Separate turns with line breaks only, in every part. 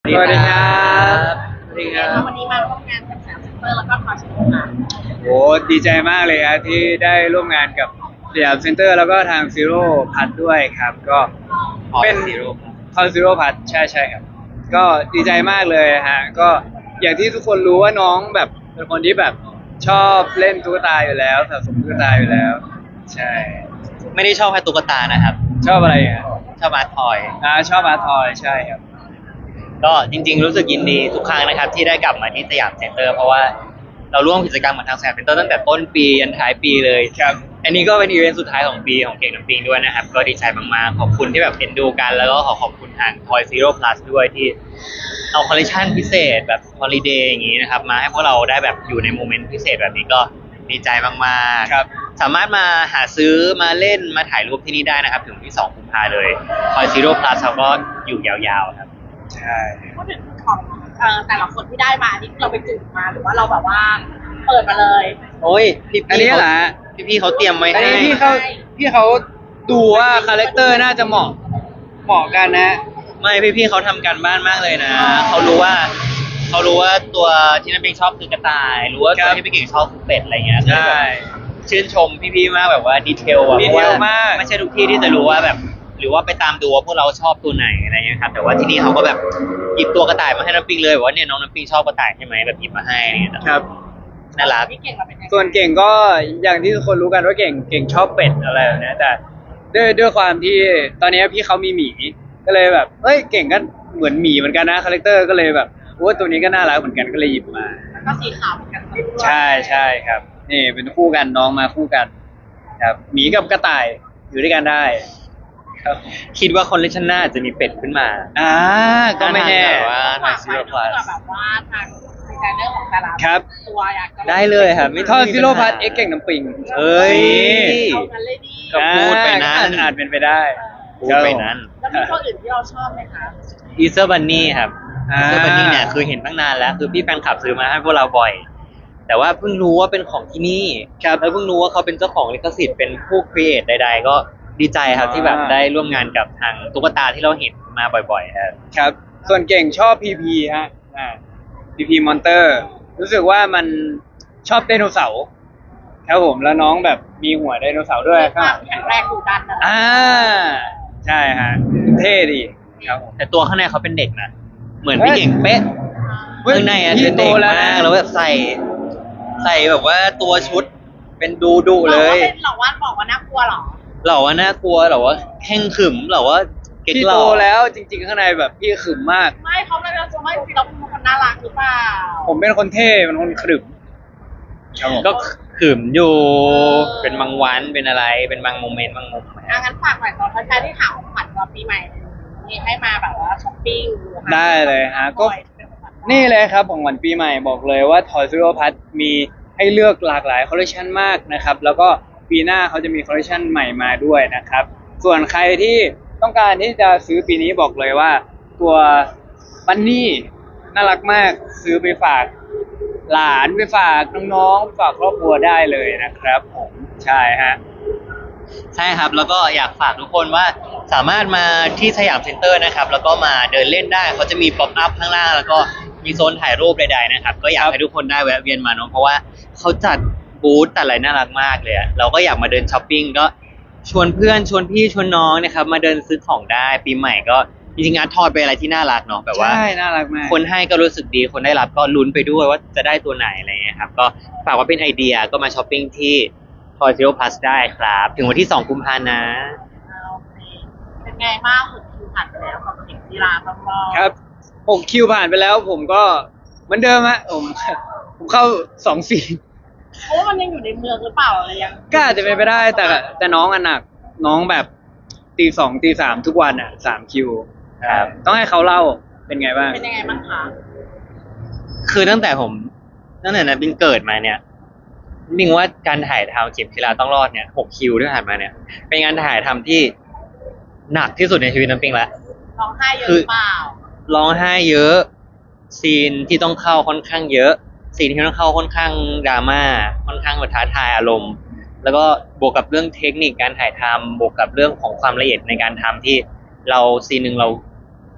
ดีครับสวัสดีครับ
วันนี้มาร่วมงานกับแซมเซ็นเตอร์แล้วก็คอชิโนะค่ะ
โอ้ดีใจมากเลยครับที่ได้ร่วมงานกับสยามเซ็นเตอร์แล้วก็ทางซีโร่พัทด้วยครับก็เป็นคอนซีโร่พัทใช่ครับก็ดีใจมากเลยฮะก็อย่างที่ทุกคนรู้ว่าน้องแบบเป็นคนที่แบบชอบเล่นตุ๊กตาอยู่แล้วสะสมตุ๊กตาอยู่แล้ว ใช่
ไม่ได้ชอบแค่ตุ๊กตานะครับ
ชอบอะไรอ่ะ
ชอบอาร์ตทอย
ชอบอาร์ทอยใช่ครับ
ก็จริงๆรู้สึกยินดีทุกครั้งนะครับที่ได้กลับมาที่สยามเซ็นเตอร์เพราะว่าเราร่วมกิจกรรมกับทางสยามเซ็นเตอร์ตั้งแต่ต้นปียันท้ายปีเลย
ครับ
อันนี้ก็เป็นอีเวนต์สุดท้ายของปีของเก่งน้ำปิงด้วยนะครับก็ดีใจมากๆขอบคุณที่แบบเอ็นดูกันแล้วก็ขอบคุณทาง Toy Zero Plus ด้วยที่เอาคอลเลคชันพิเศษแบบฮอลิเดย์อย่างนี้นะครับมาให้พวกเราได้แบบอยู่ในโมเมนต์พิเศษแบบนี้ก็ดีใจมากๆ
ครับ
สามารถมาหาซื้อมาเล่นมาถ่ายรูปที่นี่ได้นะครับถึงวันที่2 กุมภาเลย Toy Zero Plus เขาก็อยู่ยาวๆครับ
ใช่
พูดถึงของแต่ละคนที่ได้มานี่เราไปจุดมาหรือว่าเราแบบว่าเปิดมาเลย
โอ้ยพี่
อันนี้เหรอ
พี่เขาเตรียมไว้
อัน
ให้
นี้พี่เขาดูว่าคาแรคเตอร์น่าจะเหมาะกันนะ
ไม่พี่เขาทำการบ้านมากเลยนะเขารู้ว่าตัวที่นั่นเป็นชอบคือกระต่าย รู้ว่า
ครั
ตัว
บ
ที่พี่เก่งชอบคือเป็ดอะไรเงี้ย
ใช่
ชื่นชมพี่ๆมากแบบว่าดีเทลอะ
ดี
เพราะ
เท
ว่า
ลมาก
ไม่ใช่ทุกที่ที่จะรู้ว่าแบบ หรือว่าไปตามดูว่าพวกเราชอบตัวไหนอะไรเงี้ยครับแต่ว่าที่นี่เขาก็แบบหยิบตัวกระต่ายมาให้น้ำปิงเลยบอกว่าเนี่ยน้องน้ำปิงชอบกระต่ายใช่ไหมแบบหยิบมาให้อะไรเงี้ย
ครับ
น่ารัก
พี่เก่งเราเป็นยังไง
ส่วนเก่งก็อย่างที่ทุกคนรู้กันว่าเก่งชอบเป็ดอะไรแบบเนี้ยแต่ด้วยความที่ตอนนี้พี่เขามีหมีก็เลยแบบเอ้ยเก่งก็เหมือนหมีเหมือนกันนะคาแรคเตอร์ก็เลยแบบโอ้ตัวนี้ก็น่ารักเหมือนกันก็เลยหยิบมา
แล้วก็สีขาวเหมือนกันด้วย
ใช่ครับนี่เป็นคู่กันน้องมาคู่กันครับหมีกับกระต่ายอยู่ด้วยกันได้ ครับ
คิดว่าคอลเลคชันหน้าจะมีเป็ดขึ้นมา
ก็ไม่แน่
แบบว่า
ฝาก
Toy
ไว้
Zero
เพื่อ
Plus
แบบว่าทางดีไซเนอร์ของแต่ละ
ครับ
ตัวอยากจะ
ได้เลยครับ
ทอซิโรพัทเอ็กเก่งน้ำปิง
เอ้ย
เอากันเลยดี
ก็พูดไปนั้น
อาจเป็นไปได้
พูดไปนั้น
แล้วมีตัวอื่นที่เราชอบไหมคะ
อีเซอร์บันนี่ครับ
อ่า
อีเซอร์บันนี่เนี่ยคือเห็นตั้งนานแล้วคือพี่แฟนคลับซื้อมาให้พวกเราบ่อย แต่ว่าเพิ่งรู้ว่าเป็นของที่นี่ครับแล้วเพิ่งรู้ว่าเขาเป็นเจ้าของลิขสิทธิ์เป็นผู้ครีเอทใด ๆ ก็ดีใจครับที่แบบได้ร่วมงานกับทางตุ๊กตาที่เราเห็นมาบ่อยๆครับ
ครับ ส่วนเก่งชอบพีพีฮะพีพีมอนเตอร์รู้สึกว่ามันชอบไดโนเสาร์ครับผมแล้วน้องแบบมีหัวไดโนเสาร์ด้วย
มีความแข็งแรงดุดันนะ
ใช่ฮะเท่ดีครับผม
แต่ตัวข้างในเขาเป็นเด็กนะเหมือนพี่เก่งเป๊ะ
เฮ้ย
ข้างในอ่ะ
พี่
เป็นเด็ก
โตแล้ว
มา
นะ
กแล้วแบบใส่แบบว่าตัวชุดเป็นดุๆเลย
เราว่าบอกว่าน่ากลัวเหรอ
เหล่าว่าน่ากลัวเหล่าว่าแข่งขึมเหล่าว่าเก๊ก
พี่
ห
โต
ล่อ
แล้วจริง ๆ ข้างในแบบพี่ขรึมมาก
ไม่เขาไม่เราจะไม่จริงเราเป็นคนน่ารักหรือเปล่า
ผมเป็นคนเท่เป็นคนขรึมครับผม
ก็ขึมอยู่เป็นบางวันเป็นอะไรเป็นบางโมเมนต์บางมุม
งั้นฝากหน่อยตอนแฟนๆที่ถามของขวัญตอนปีใหม่นี่ให้มาแบบว่าช้อปปิ้ง
ได้เลยฮะก็นี่เลยครับของวันปีใหม่บอกเลยว่า Toy Story Plus มีให้เลือกหลากหลายคอลเลคชันมากนะครับแล้วก็ปีหน้าเขาจะมีคอลเลคชันใหม่มาด้วยนะครับส่วนใครที่ต้องการที่จะซื้อปีนี้บอกเลยว่าตัวบันนี่น่ารักมากซื้อไปฝากหลานไปฝากน้องๆฝากครอบครัวได้เลยนะครับผมใช่ฮะ
ใช่ครับแล้วก็อยากฝากทุกคนว่าสามารถมาที่สยามเซ็นเตอร์นะครับแล้วก็มาเดินเล่นได้เขาจะมีป๊อปอัพข้างล่างแล้วก็มีโซนถ่ายรูปใดๆนะครับก็อยากให้ทุกคนได้แวะเวียนมาเนาะเพราะว่าเขาจัดบูธแต่อะไรน่ารักมากเลยอะเราก็อยากมาเดินช้อปปิ้งก็ชวนเพื่อนชวนพี่ชวนน้องนะครับมาเดินซื้อของได้ปีใหม่ก็จริงๆงานทอดเป็นอะไรที่น่ารักเนาะแบบว่า
ใช่น่ารักมาก
คนให้ก็รู้สึกดีคนได้รับก็ลุ้นไปด้วยว่าจะได้ตัวไหนอะไรเงี้ยครับก็ฝากว่าเป็นไอเดียก็มาช้อปปิ้งที่ Toy Zero Plus ได้ครับถึงวันที่2 กุมภาพันธ์นะ
เป็นไงบ้างสุดคิวผ่านไปแล้วกับเด็กกีฬาต้องรอ
ครับ6 คิวผ่านไปแล้วผมก็เหมือนเดิมฮะผมเข้า2 ซีน
เพราะว่ามันยังอยู่ในเมืองหรือเปล่าอะไรยัง
ก็อาจจะเป็นไปได้แต่น้องอันหนักน้องแบบตี 2 ตี 3ทุกวันอ่ะ3 คิว
ครับ
ต้องให้เขาเล่าเป็นไงบ้าง
เป็นยังไงบ้างคะ
คือตั้งแต่นั้นบินเกิดมาเนี่ยบิงว่าการถ่ายทำเข็มกีฬาต้องรอดเนี่ย6 คิวที่ผ่านมาเนี่ยเป็นงานถ่ายทำที่หนักที่สุดในชีวิตน้ำปิงละ
ร้องไห้เยอะ
คือ
หรือเปล่า
ร้องไห้เยอะซีนที่ต้องเข้าค่อนข้างเยอะซีนที่ต้องเข้าค่อนข้างดราม่าค่อนข้างแบบท้าทายอารมณ์ แล้วก็บวกกับเรื่องเทคนิคการถ่ายทำบวกกับเรื่องของความละเอียดในการทำที่เราซีนหนึ่งเรา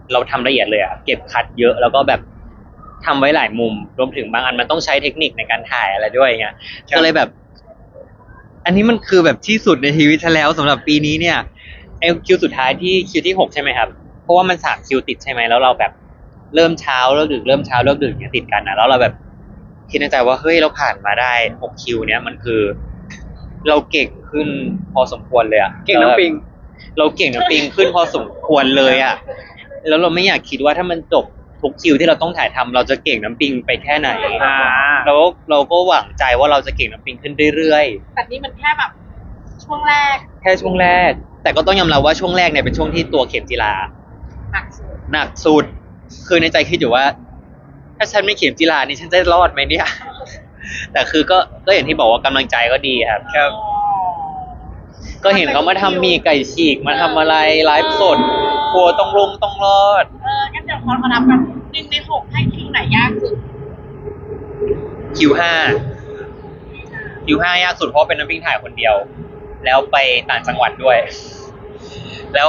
เราทำละเอียดเลยอะเก็บคัดเยอะแล้วก็แบบทำไว้หลายมุมรวมถึงบางอันมันต้องใช้เทคนิคในการถ่ายอะไรด้วยเงี้ยก็เลยแบบ อันนี้มันคือแบบที่สุดในชีวิตฉันแล้วสำหรับปีนี้เนี่ยไอคิวสุดท้ายที่คิวที่6ใช่ไหมครับเพราะว่ามัน3 คิวติดใช่ไหมแล้วเราแบบเริ่มเช้าเลิกดึกเริ่มเช้าเลิกดึกเนี่ยติดกันนะแล้วเราแบบคิดในใจว่าเฮ้ยเราผ่านมาได้6 คิวเนี่ยมันคือ เราเก่งขึ้นพอสมควรเลยอะ
เก่งน้ำปิง
เราเก่งน้ำปิงขึ้นพอสมควรเลยอะแล้วเราไม่อยากคิดว่าถ้ามันจบทุกคิวที่เราต้องถ่ายทำเราจะเก่งน้ำปิงไปแค่ไหน แล้วเราก็หวังใจว่าเราจะเก่งน้ำปิงขึ้นเรื่อยๆ
แต่นี่มันแค่แบบช่วงแรก
แค่ช่วงแรก แต่ก็ต้องยอมรับว่าช่วงแรกเนี่ยเป็นช่วงที่ตัวเข็มจีรา
หนักสุด
หนักสุด คือในใจคิดอยู่ว่า ถ้าฉันไม่เข็มจีรานี่ฉันจะรอดไหมเนี่ย แต่คือก็อย่างที่บอกว่ากำลังใจก็ดีครับ
ครับ
ก็เห็นเขามาทำหมีไก่ฉีกมาทำอะไรไลฟ์สดกลัวต้องรอด
งั้นเดี๋ยวขอนับกัน1 ใน 6ให้คิวไหนยากสุด
คิวห้าคิวห้ายากสุดเพราะเป็นน้ำพริกถ่ายคนเดียว แล้วไปต่างจังหวัดด้วย แล้ว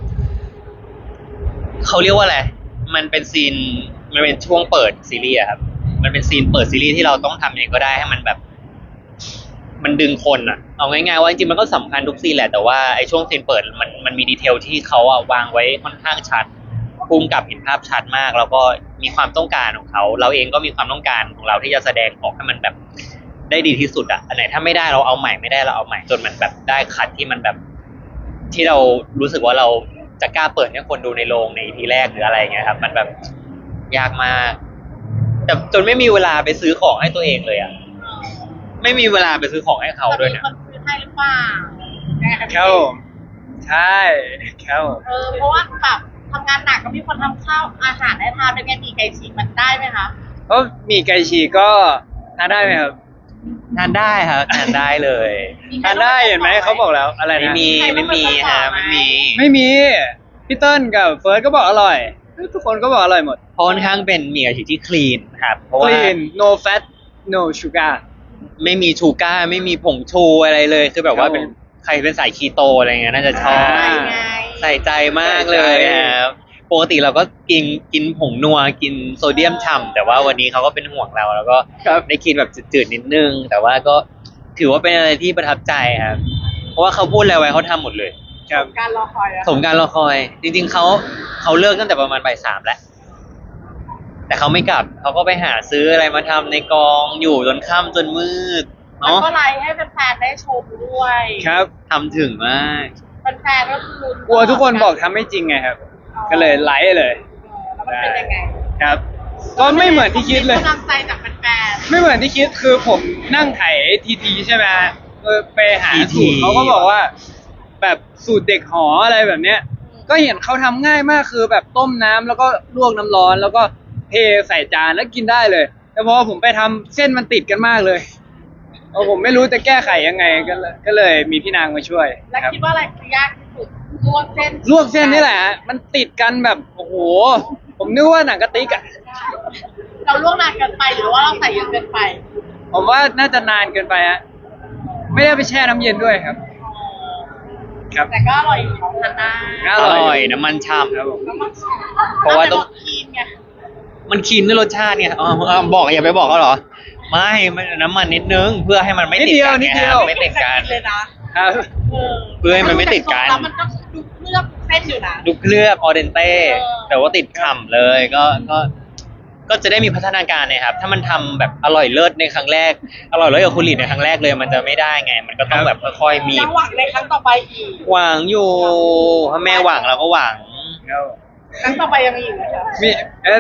เขาเรียกว่าอะไร มันเป็นซีน มันเป็นช่วงเปิดซีรีส์อะครับ มันเป็นซีนเปิดซีรีส์ที่เราต้องทำยังไงก็ได้ให้มันแบบ มันดึงคนอะเอาง่ายๆว่าจริงๆมันก็สำคัญทุกซีนแหละ แต่ว่าไอ้ช่วงซีนเปิดมันมีดีเทลที่เขาอะวางไว้ค่อนข้างชัดภูมิกับเห็นภาพชัดมาก แล้วก็มีความต้องการของเขา เราเองก็มีความต้องการของเราที่จะแสดงออกให้มันแบบได้ดีที่สุดอะอันไหนถ้าไม่ได้เราเอาใหม่ไม่ได้เราเอาใหม่จนมันแบบได้คัดที่มันแบบ ที่เรารู้สึกว่าเราจะกล้าเปิดให้คนดูในโรงในทีแรกหรืออะไรอย่างเงี้ยครับ มันแบบยากมากแต่จนไม่มีเวลาไปซื้อของให้ตัวเองเลยอะไม่มีเวลาไปซื้อของให้เขาด้วย
มี
นะ
คนซื้อให้หรือเปล่า
ครับผมใช่ครับผม
เพราะว่าแบบทำงานหนักก็มีคนทำข้าวอาหารให้ทานเป็นไงมีไก่ฉีกมันได้ไหมคะ
เพราะหมีไก่ฉีกก็ทานได้ไหมครับ
ทานได้ครับทานได้เลย
ทานได้เห็นไหมเขาบอกแล้วอะไร
ไม่
นะ
มีไม่มีฮะไม่มี
ไม่มีพี่เติ้ลกับเฟิร์สก็บอกอร่อย ทุกคนก็บอกอร่อยหมด
เพราะค่อนข้างเป็นหมี่กระฉีกที่คลีนครับ เพราะว่า
clean no fat no sugar
ไม่มีชูการ์ไม่มีผงชูอะไรเลย คือแบบว่า
ครับผม
เป็นใครเป็นสายคีโตอะไรเงี้ยน่าจะชอบ
อ่า
ไง
ใส่ใจมากเลยครับปกติเราก็กินผงนัวกินโซเดียมฉ่ำแต่ว่าวันนี้เขาก็เป็นห่วงเราแล้วก็
ครับ
ได้กินแบบจืดๆนิดนึง แต่ว่าก็ถือว่าเป็นอะไรที่ประทับใจครับ เพราะว่าเขาพูดอะไรไว้เขาทำหมดเลย
ครับ
การรอคอยอะ
สมการรอคอย จริงๆเขาเลิกตั้งแต่ประมาณบ่าย 3แล้ว แต่เขาไม่กลับเขาก็ไปหาซื้ออะไรมาทำในกองอยู่จนค่ำจนมืด
แล้ว
เนาะ
ก็ไลฟ์ให้แฟนๆได้ชมด้วย
ครับ
ทำถึงมาก
แฟนๆก็คือก
ลัวทุกคนบอกทำไม่จริงไงครับ ก็เลยไลฟ์เลย
แล้วมันเป็นยังไง
ครับ ก็ไม่เหมือนที่คิดเลย
กำลังใจจากแฟน
ไม่เหมือนที่คิดคือผมนั่งไถทีใช่ไหมไปหาสูตร
TT
เขาก็บอกว่า แบบสูตรเด็กหออะไรแบบเนี้ย ก็เห็นเขาทำง่ายมากคือแบบต้มน้ำแล้วก็ลวกน้ำร้อน แล้วก็เทใส่จานแล้วกินได้เลย แต่พอผมไปทำเส้นมันติดกันมากเลยผมไม่รู้จะแก้ไขยังไงก็เลยมีพี่นางมาช่วย
ๆ แล้ว
ครับ
คิดว่าอะไรคือยากที่สุดลวกเส้น
ลวกเส้นนี่แหละฮะมันติดกันแบบโอ้โหผมนึกว่าหนังกะติกอะ
เราลวกนานเกินไปหรือว่าเราใส่เยอะเกินไป
ผมว่าน่าจะนานเกินไปฮะไม่ได้ไปแช่น้ำเย็นด้วยครับ ครับ
แต่ก็อร่อยอยู่ของทานได้
อ
อ
ร่อย
ร่อยน้ำมันฉ่
ครับผม
แล้วมัน
เพราะว่าต้อง
คีนไง
ำมันคลีนด้วยรสชาติเนี่ยบอกอย่าไปบอกเขาเหรอ ไม่มันน้ำมันนิดนึงเพื่อให้มันไม่ติดกัน
นิด
ไง
เดียว
ครับไม่ติดกัน
เลยนะ
ครับ
เพื่อให้มันไม่ติดกัน
แล้วมันก็ดูเคลือบเส้นอยู่นะ
ดูเคลือบออเดนเต้
เออ
แต่ว่าติดฉ่ำเลยก็จะได้มีพัฒนาการนะครับ ถ้ามันทำแบบอร่อยเลิศในครั้งแรก อร่อยเลิศกับคุณหลีดในครั้งแรกเลย มันจะไม่ได้ไง มันก็ต้องแบบค่อยๆมี
ยังหวังในครั้งต่อไปอีก
หวังอยู่ถ้าแม่หวังเราก็หวัง
ครับ
ครั้งต่อไปยังมีอีกไหมคะ
มี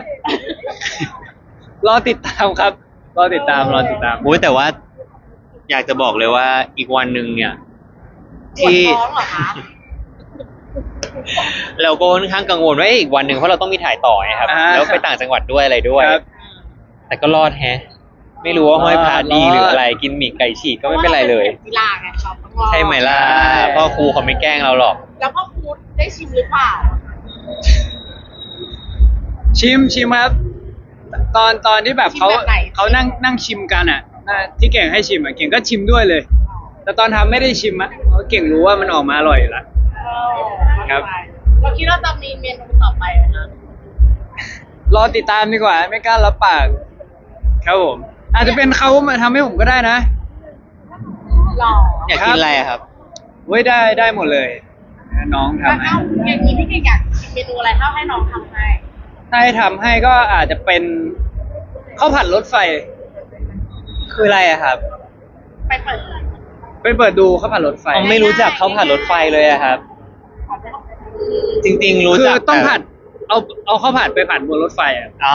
รอติดตามครับรอติดตาม
โอ้ยแต่ว่า อยากจะบอกเลยว่าอีกวันหนึ่งเนี่ย
ปวด
ที่
ท้องเหรอคะ
เราก็ค่อนข้างกังวลว่าอีกวันหนึ่งเพราะเราต้องมีถ่ายต่อไงครับ แล้วไปต่างจังหวัดด้วยอะไรด้วย
ครับ
แต่ก็รอดแฮะ ไม่รู้ว่าห้อยพระดีหรืออะไรกินหมี่ไก่ฉีกก็ไม่เป็นไรเลย
พาะว่าราป็นกีฬาไงเราต้องรอด
ใช่ไหมล่ะพ่อครูเขาไม่แกล้งเราหรอก
แล้วพ่อครูได้ชิมหรือเปล่า
ชิมครับตอนที่แบบเขา
ชิมแบบไหน
เขานั่งชิมกันอ่ะที่เก่งให้ชิมอ่ะเก่งก็ชิมด้วยเลย แต่ตอนทำไม่ได้ชิมอ่ะเพราะเก่งรู้ว่ามันออกมาอร่อยอยู่แล้ว ครับ
เราคิดว่าจะมีเมนูต่อไปไหมคะ
รอติดตามดีกว่าไม่กล้ารับปากครับผมอาจจะเป็นเขามาทำให้ผมก็ได้นะ
หล่อ
อยากกินอะไรอะครับ
เว้ยได้หมดเลยน้องทำให้
เอาอย่างนี้พี่เก่งอยากกินเมนูอะไรถ้าให้น้องทำให้
ถ้าให้ทำให้ก็อาจจะเป็นข้าวผัดรถไฟ
คืออะไรอะครับ
ไปเปิด
ไปเปิดดูข้าวผัดรถไฟ
ผมไม่รู้จักข้าวผัดรถไฟเลยอะครับ จริงๆรู้
คือ
จัก
ต้อง
แต่
ผัดเอาข้าวผัดไปผัดบนรถไฟอ่ะ
อ๋อ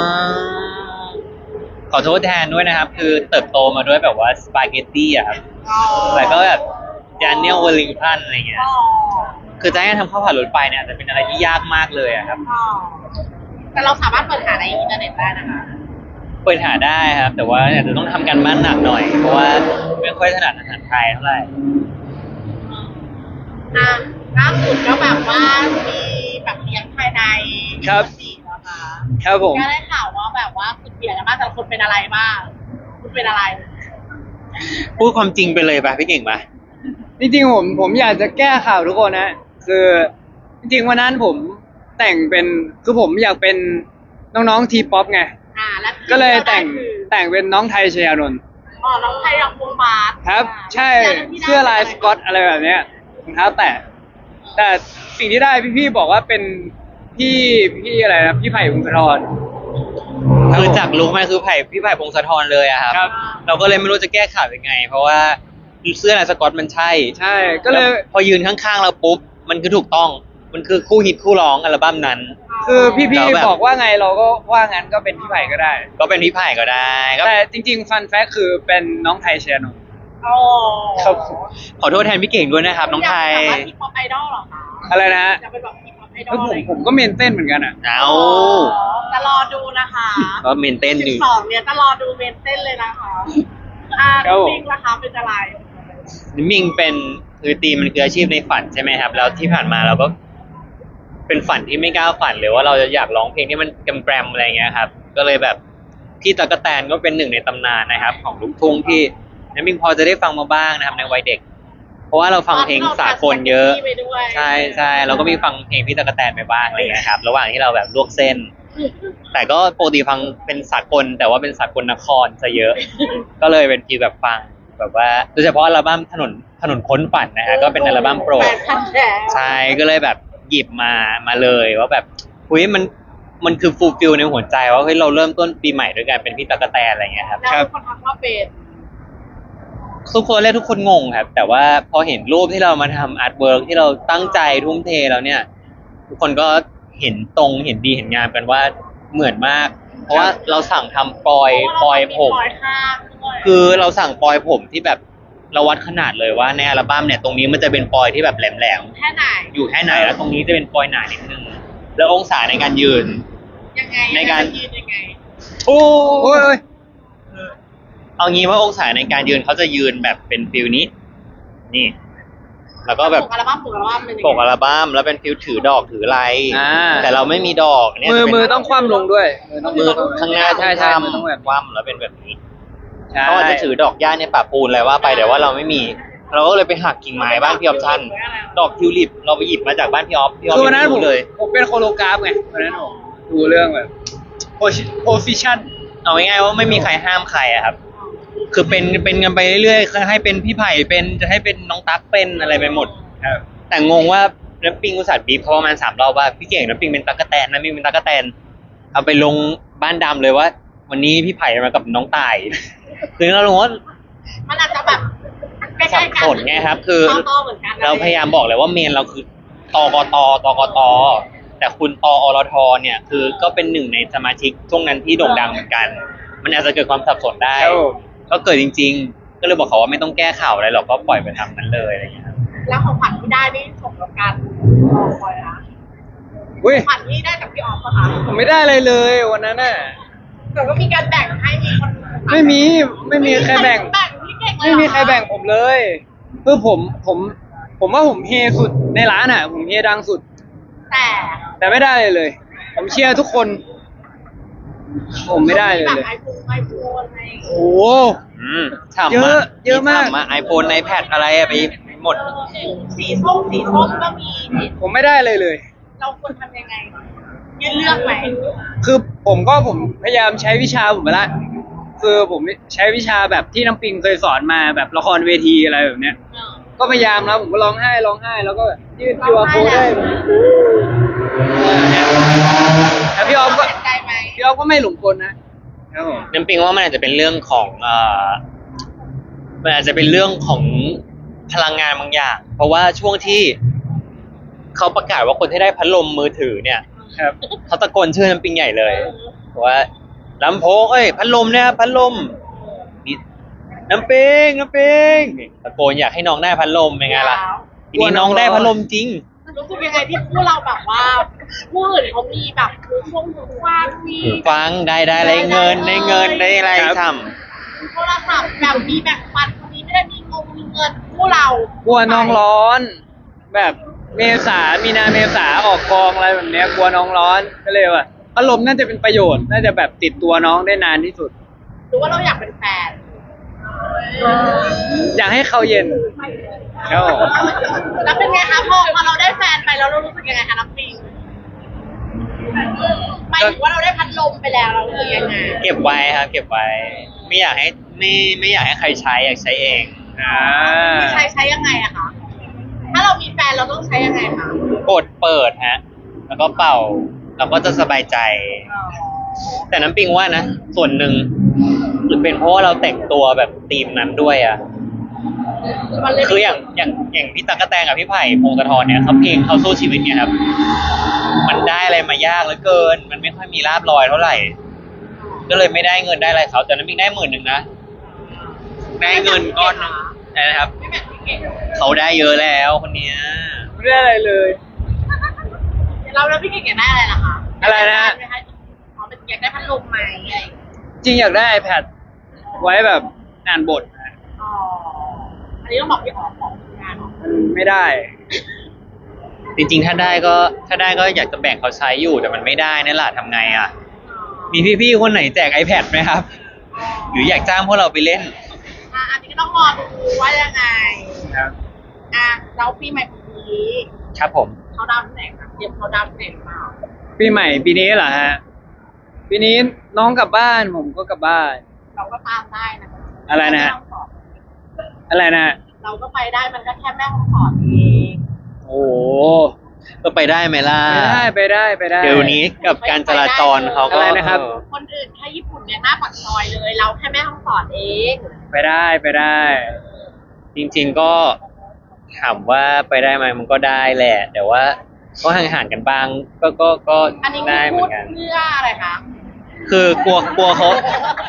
ขอโทษแทนด้วยนะครับ คือเติบโตมาด้วยแบบว่าสปาเกตตี้อะครับแต่ก็แบบดานิเอลเวลลิงตันอะไรเงี้ย
อ๋อ
คือจะให้ทำข้าวผัดรถไฟเนี่ยจะเป็นอะไรที่ยากมากเลยอะครับ
อ๋อแต่เราสามารถเปิดหาในอินเทอร์เน็ตได้นะคะ
เปิดหาได้ครับ แต่ว่าอาจจะต้องทำการบ้านหนักหน่อย เพราะว่าไม่ค่อยถนัดอาหารไทยเท่าไหร่
อ่ะล่าสุดก็แบบว่ามีแบบเลี้ยงภายใน
ครับ
สี่นะคะ
ครับผม
ก็ได้ข่าวว่าแบบว่าสุดเบียดกันมากแต่ละคนเป็นอะไรบ้างคุณเป็นอะไร
พูดความจริงไปเลยป่ะพี่เก่งป่ะ
จริงๆผมอยากจะแก้ข่าวทุกคนนะคือจริงๆวันนั้นผมแต่งเป็นคือผมอยากเป็นน้องๆทีป๊อปไง
แล้ว
ก็เลยแต่ง
คือ
เป็นน้องไทยชยานนท์
อ๋อน้องไทยรักวงบาส
ครับ ใช่เสื้อลายสก๊อตอะไรแบบเนี้ยรองเท้าแตะแต่สิ่งที่ได้พี่ๆบอกว่าเป็นพี่อะไรนะพี่ไผ่พงศธร
คือจากลุกมาคือพี่ไผ่พงศธรเลยอะครับ
ครับ
เราก็เลยไม่รู้จะแก้ข่าวยังไง เพราะว่าเสื้อลายสก๊อตมันใช่
ใช่ก็เลย
แวพอยืนข้างๆเราปุ๊บมันคือถูกต้องมันคือคู่ฮิตคู่ร้องอัลบั้มนั้น
คือพี่
แล้วแบบ
ๆบอกว่าไงเราก็ว่างั้นก็เป็นพี่ไผ่ก็ได้
ก็เป็นพี่ไผ่ก็ได้ก็
แต่จริงๆฟันแฟกคือเป็นน้องไทยชยานนท์
อ๋อ
ครับ
ขอโทษแทนพี่เก่งด้วยนะครับ น้องไทย
อยากเป็นแบบว่าทีป๊อปไอดอลเหรอคะ
อะไรนะฮะ
อยากเป็นแบบทีป๊อปไอด
แล้
อ
ว
ล
ผมก็เมนเต้นเหมือนกันอ่ะ
เอา
จะรอดูนะคะ
ก็เมนเต้นอยู่
12เนี่ยจะรอดูเมนเต้นเลยนะคะ
ครับผม
จริงนะคะเป็นอะไร
มิงเป็นคือตีมมันคืออาชีพในฝันใช่ไหมครับ แล้วที่ผ่านมาเราก็ เป็นฝันที่ไม่กล้าฝันเลยว่าเราจะอยากร้องเพลงที่มันแกรมๆอะไรเงี้ยครับ ก็เลยแบบพี่ตั๊กแตนก็เป็นหนึ่งในตำนานนะครับ ของลูกทุ่งที่น้ำมิงพอจะได้ฟังมาบ้างนะครับในวัยเด็ก เพราะว่าเราฟังเพลงสากลเยอะ
ไปด้วย
ใช่ใช่เราก็มีฟังเพลงพี่ตั๊กแตนไปบ้างอะไรเงี้ยครับ ระหว่างที่เราแบบลวกเส้น แต่ก็ปกติฟังเป็นสากลแต่ว่าเป็นสากลนครซะเยอะ ก็เลยเป็นฟีลแบบฟังแบบว่าโดยเฉพาะอัลบั้มถนนค้นฝันนะฮะก็เป็นอัลบั้มโปรด
8,000แฉ
ใช่ก็เลยแบบหยิบมาเลยว่าแบบอุ้ยมันคือฟูลฟิลในหัวใจว่าเฮ้ยเราเริ่มต้นปีใหม่ด้วยกันเป็นพี่ตั๊กแตนอะไรเงี้ยครับ
แล้วคนทักว่าเป็น
ทุกคนแรกทุกคนงงครับ แต่ว่าพอเห็นรูปที่เรามาทำอาร์ตเวิร์กที่เราตั้งใจทุ่มเทแล้วเนี่ย ทุกคนก็เห็นตรงเห็นดีเห็นงามกันว่าเหมือนมาก เพราะว่าเราสั่งทำปลอยผม
ปลอยข้างด้วย
คือเราสั่งปลอยผมที่แบบเราวัดขนาดเลยว่าในอัลบั้มเนี่ยตรงนี้มันจะเป็นปลอยที่แบบแหลม
แค่ไหน
ๆอยู่แค่ไหนแล้วตรงนี้จะเป็นปลอยหนานิดนึงแล้วองศาในการยืน
ยังไง
ในการ
ยืนยังไง
โอ้
โอ้ย
เอางี้ว่าองศาในการยืนเขาจะยืนแบบเป็นฟิลนี้ นี่ แล้วก็แบบ
ปกอัลบั้มเป็นยังไง
ปกอัลบั้มแล้วเป็นฟิลถือดอกถืออะไร
อ่า
แต่เราไม่มีดอกเนี่ย
มือต้องคว่ำลงด้วยต้อง
มือ
คว่ำ
ข้างหน้า
ใช่มือต้องแบบ
คว่ำแล้วเป็นแบบนี้
ใช่
เขาอาจจะถือดอกหญ้าในป่าปูนอะไรว่าไปแต่ว่าเราไม่มี เราก็เลยไปหักกิ่งไม้บ้านพี่ออฟชั่นดอกทิวลิปเราไปหยิบมาจากบ้านพี่ออฟพี่ออฟ
คือวันนั้น
ไม่
ผม
รู้เลย
เป็นโคโลกราฟไงวันนั้นผมดูเรื่องแบบโพสิชัน
เอาง่ายๆว่าไม่มีใครห้ามใครอะครับ คือเป็นกันไปเรื่อยๆให้เป็นพี่ไผ่เป็นจะให้เป็นน้องตั๊กเป็นอะไรไปหมด
ครับ
แต่งงว่าน้ำปิงอุตส่าห์บีบเขาประมาณ3 รอบว่าพี่เก่งน้ำปิงเป็นตั๊กแตนน้ำปิงเป็นตั๊กแตนเอาไปลงบ้านดำเลยว่า วันนี้พี่ไผ่มากับน้องต่าย คือเราลงว่า
มันอาจจะแบบใก
สั
ล้
บ
ๆกัน
สนไงครับ คือ
ต่อๆเหมือนกันนะ
เราพยายามบอกเลยว่าเมนเราคือตกตแต่คุณตอรทเนี่ยคือก็เป็นหนึ่งในสมาชิกช่วงนั้นที่โด่งดังเหมือนกัน มันอาจจะเกิดความสับสนได้
ครับผม
ก็เกิดจริง ๆ ก็เลยบอกเขาว่าไม่ต้องแก้ข่าวอะไรหรอกก็ปล่อยไปทำนั้นเลยอะไรอย่างเงี้ยครับ
แล้วของขวัญที่ได้นี่สมกับการรอคอยนะ
อุ้ย
ขวัญที่ได้จากพี่ออฟปะคะ
ผมไม่ได้อะไรเลยวันนั้นน่ะ
แต่ก็มีการแบ่งให้มีคน
ไม่มีใครแบ่ง
พี่เก่งเลย
ไม่มีใครแบ่งผมเลยคือผมว่าผมเฮสุดในร้านอ่ะ ผมเฮดังสุด แต่ไม่ได้เลย ผมเชียร์ทุกคน ผมไม่ได้เลย
แบบ
เลย
ไอโฟนอะไร
โอ้โห
ฉ่ำ
เยอะมาก
ไอโฟนไอแพดอะไรอะไปหมด
สีส้มก็มี
ผมไม่ได้เลย
เราควรทำยังไงยืนเลือกไหม
คือผมพยายามใช้วิชาผมไปละคือผมใช้วิชาแบบที่น้ำปิงเคยสอนมาแบบละครเวทีอะไรแบบเนี้ย ก็พยายามแล้วผมก็ร้องไห้แล้วก็ยื่นคิวอาร์โค้ดได้แต่พี่ออฟก็
เสียใจไหม
พี่ออฟก็ไม่หลงกลนะครับผม
น้ำปิงว่ามันอาจจะเป็นเรื่องของมันอาจจะเป็นเรื่องของพลังงานบางอย่าง เพราะว่าช่วงที่เขาประกาศว่าคนที่ได้พัดลมมือถือเนี่ย
ครับ
เขาตะโกนชื่อน้ำปิงใหญ่เลยบอกว่าลำโพงพัดลมเนี่ยพัดลมนี่น้ำปิงตะโกนอยากให้น้องได้พัดลมเป็นไงล่ะทีนี้น้องได้พัดลมจริง
รู้สึกยังไงที่พวกเราแบบว่าผู้อื่นเขามีแบบหูฟังมี
หูฟังได้อะไรเงินได้อะไร
ครับ
ท
โทรศัพท์แบบมีแบ่งปันคนนี้ไม่ได้มีเงินพวกเรา
กลัวน้องร้อน แบบมีนาเมษาออกกองอะไรแบบเนี้ยกลัวน้องร้อนก็เลยว่าพัดลมน่าจะเป็นประโยชน์น่าจะแบบติดตัวน้องได้นานที่สุด
หรือว่าเราอยากเป็นแฟน
อยากให้เขาเย็นครับผม
แล้วเป็นไงคะพอเราได้แฟนไปแล้วเรารู้สึกยังไงคะน้ำปิงหมายถึงว่าเราได้พัดลมไปแล้วเรารู้สึกยังไง
ำเก็บไว้ครับเก็บไว้ ไม่อยากให้ใครใช้อยากใช้เอง
ใช้ยังไงอะคะถ้าเรามีแฟนเราต้องใช้ยังไงคะ
กดเปิดฮะแล้วก็เป่าเราก็จะสบายใจ แต่น้ำปิงว่านะส่วนหนึ่งหรือเป็นเพราะว่าเราแต่งตัวแบบธีมนั้นด้วยอ่ะ
มันเลย
คืออย่างพี่ตั๊กกะแตนกับพี่ไผ่พงศธรเนี่ยเขาเพลงเขาสู้ชีวิตเนี่ยครับ มันได้อะไรมายากเหลือเกิน มันไม่ค่อยมีลาบลอยเท่าไหร่ ก็เลยไม่ได้เงินได้อะไรเขาแต่น้ำปิงได้10,000นะได้เงินก้อนนึงนะครับ
ไม่แบบพี่เก่ง
เขาได้เยอะแล้วคนเนี้ย
ไม่ได้อะไรเลย
เราแล้วพี่เก่งอยากได้อะไรล่ะคะ
อะไรนะ
อ๋อเป็นอยากได้พัดลมไหมอะไรอย่างเงี้ย
จริงอยากได้ iPad ไว้แบบอ่านบทนะ
อ๋ออันนี้ต้องบอกพี่อ๋อของงาน
มันไม่ได้
จริงๆถ้าได้ก็อยากจะแบ่งเขาใช้อยู่แต่มันไม่ได้นี่แหละทำไงอ่ะ มีพี่ๆคนไหนแจก iPad ไหมครับ หรืออยากจ้างพวกเราไปเล่น
อันนี้ก็ต้องรอดูว่ายังไง
ครับ
เราปีใหม่ปีนี้
ครับผม
เขาดาวที่ไหนคะเตรียมเขาดาวที่ไหนหรือเปล่า
ปีใหม่ปีนี้เหรอฮะ ปีนี้น้องกลับบ้านผมก็กลับบ้าน
เราก็ตามได้นะคะ
อะไรนะฮะ อะไรนะ
เราก็ไปได้มันก็แค่แม่ห้องสอนเอง
โอ้โห
ก็ไปได้ไหมล่ะ
ไปได้
เดี๋ยวนี้กับการจราจรเขาก็
อะไรนะครับ
คนอื่นแค่ญี่ปุ่นเนี่ยหน้าปากซอยเลย เราแค่แม่ห้องสอนเอง
ไปได้
จริงๆก็ถามว่าไปได้ไหมมันก็ได้แหละ แต่ว่าก็ห่างๆกันบ้างก็
อันนี้
ได้เห
พู
มือ
ด
นกัน
เพื่ออะไรคะ
คือกลัวเขา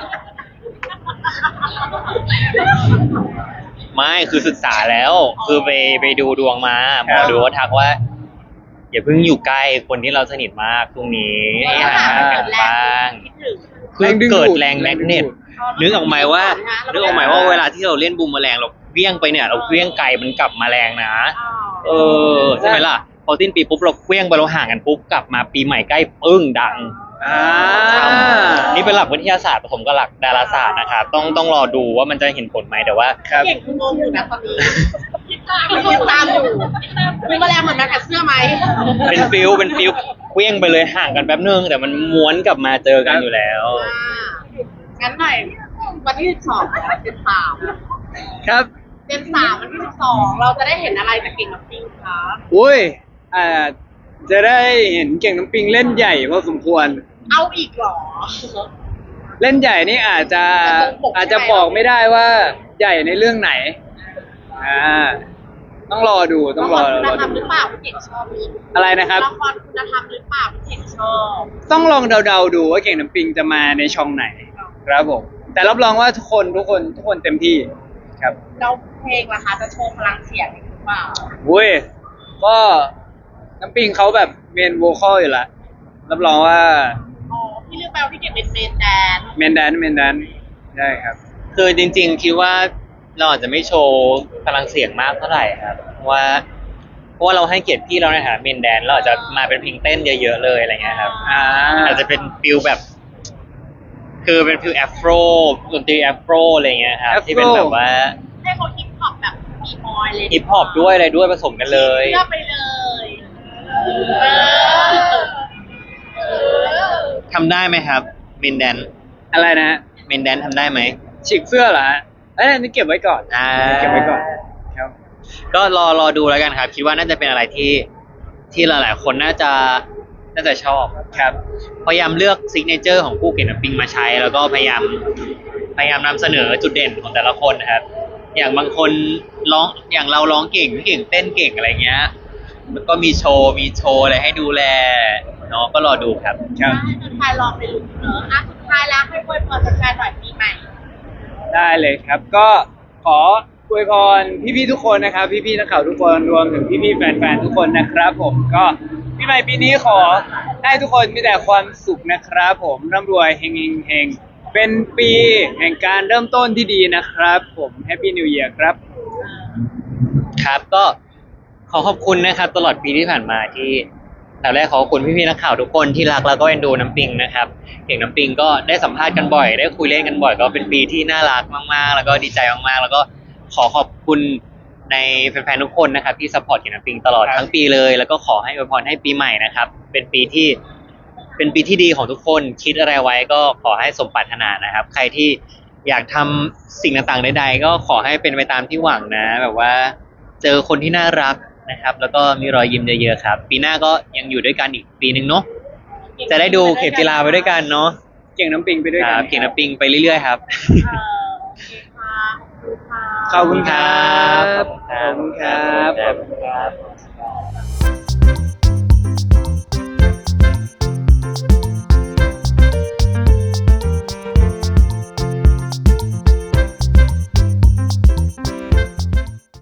ไม่คือศึกษาแล้ว คือไปดูดวงมาหมอดูก็ทักว่า อย่าเพิ่งอยู่ใกล้คนที่เราสนิทมากตรงนี้ให้ห่างๆกันบ้าง
คิดถึง
คือเกิดแรงแมกเนตนึกออกไหมว่าเวลาที่เราเล่นบูมแมลงเราเวี่ยงไปเนี่ย เราเวี่ยงไกลมันกลับมาแรงนะ ใช่ไหมล่ะ พอสิ้นปีปุ๊บเราเวี่ยงไปเราห่างกันปุ๊บกลับมาปีใหม่ใกล้ปึ้งดัง นี่เป็นหลักวิทยาศาสตร์ผสมกับหลักดาราศาสตร์นะครับต้องรอดูว่ามันจะเห็นผลไหมแต่ว่า
ครับ
เก่งคืองงอยู่นะตอนนี้คิดตามอยู่มีแมลงเหมือนแมลงกัดเสื้อไหม
เป็นฟิลเวี่ยงไปเลยห่างกันแป๊บนึงแต่มันม้วนกลับมาเจอกันอยู่แล้ว
งั้นหน่อยวันที่12เดือน3
ครับ
เดือน3วันที่12เราจะได้เห็นอะไรจากเก่งกับปิงคะ
อุ้ยจะได้เห็นเก่งน้ำปิงเล่นใหญ่พอสมควร
เอาอีกเหรอ
เล่นใหญ่นี่อาจจะ
จะตรงปกใช่ไหม
อาจจะบอกไม่ได้ว่าใหญ่ในเรื่องไหน ต้องรอดูต้องรอ
ละครคุณ
รอ
ธรรมห
ดู
รือเปล่าพี่เก่งชอบมี
อะไรนะครับ
ละครคุณธรรมหรือเปล่าพี่เก่งชอบ
ต้องลองเดาๆดูว่าเก่งน้ำปิงจะมาในช่องไหน ครับผมแต่รับรองว่าทุกคนเต็มที่ครับ
แล้วเพลงล่ะคะจะโชว์พลังเสียงหรือเปล่า
อุ้ยก็น้ำปิงเขาแบบเมนโวคอลอยู่ละรับรองว่า
อ๋อพี่ลืมไปว่าพี่เก่งเป็นเมนแดน
เมนแดนใช่ครับ
คือจริงๆคิดว่าเราอาจจะไม่โชว์พลังเสียงมากเท่าไหร่ครับเพราะว่าเราให้เกียรติพี่เราในฐานะเมนแดนเราอาจจะมาเป็นเพลงเต้นเยอะๆเลยอะไรเงี้ยครับ อาจจะเป็นฟิลแบบ คือเป็นฟิลแอฟโรดนตรีแอฟโรอะไรเงี้ยครับ
Afro
ที่เป็นแบบว่า
ให้เขาฮิปฮอปแบบมีมอยเลย
ฮิปฮอปด้วยอะไรด้วยผสมกันเลย
เลือกไปเลย
ทำได้ไหมครับเมนแดน
อะไรนะฮะ
เมนแดนทำได้ไหม
ฉีกเสื้อเหรอฮะอันนี้เก็บไว้ก่อน เก็บไว้ก่อนครับ
ก็รอดูแล้วกันครับ คิดว่าน่าจะเป็นอะไรที่หลายๆคนน่าจะชอบครับพยายามเลือกซิกเนเจอร์ของผู้เก่งน้ำปิงมาใช้ แล้วก็พยายามนำเสนอจุดเด่นของแต่ละคนนะครับ อย่างบางคนร้องอย่างเราร้องเก่งเต้นเก่งอะไรเงี้ยแล้วก็มีโชว์อะไรให้ดูแลเนาะก็รอดูครับ
ครับ
สุดท้ายลองไปลุ้นเนอะอ่ะสุดท้ายแล้วให้อวยพรแฟนๆหน่อยปีใหม่
ได้เลยครับ ก็ขออวยพรพี่ๆทุกคนนะครับ พี่ๆนักข่าวทุกคนรวมถึงพี่ๆแฟนๆทุกคนนะครับ ผมก็ปีใหม่ปีนี้ขอให้ทุกคนมีแต่ความสุขนะครับ ผมร่ำรวยเฮงเป็นปีแห่งการเริ่มต้นที่ดีนะครับ ผมแฮปปี้นิว e ย r ครับ
ครับก็ขอขอบคุณนะครับตลอดปีที่ผ่านมาที่แต่แรกขอบคุณพี่ๆนักข่าวทุกคนที่รักแล้วก็เอ็นดูน้ำปิงนะครับเก่งน้ำปิงก็ได้สัมภาษณ์กันบ่อยได้คุยเล่นกันบ่อยก็เป็นปีที่น่ารักมากๆ แล้วก็ดีใจมากๆ แล้วก็ขอขอบคุณในแฟนๆทุกคนนะครับที่ซัพพอร์ตเก่งน้ำปิงตลอด
ครับ
ทั้งปีเลย แล้วก็ขอให้อวยพรให้ปีใหม่นะครับเป็นปีที่ดีของทุกคนคิดอะไรไว้ก็ขอให้สมปรารถนานะครับ ใครที่อยากทำสิ่งต่างๆใดๆก็ขอให้เป็นไปตามที่หวังนะ แบบว่าเจอคนที่น่ารักนะครับ แล้วก็มีรอยยิ้มเยอะๆครับ ปีหน้าก็ยังอยู่ด้วยกันอีกปีหนึ่งเนาะจะได้ดูเข็มจีราไปด้วยกันเนาะ
เก่งน้ำปิงไปด้วย
ค
กั
รั
น
บเก่งน้ำปิงไปเรื่อยๆครับ
โอเคค่ะ
ขอบคุณครับ
ขอบคุณครับ
ขอบคุณครับ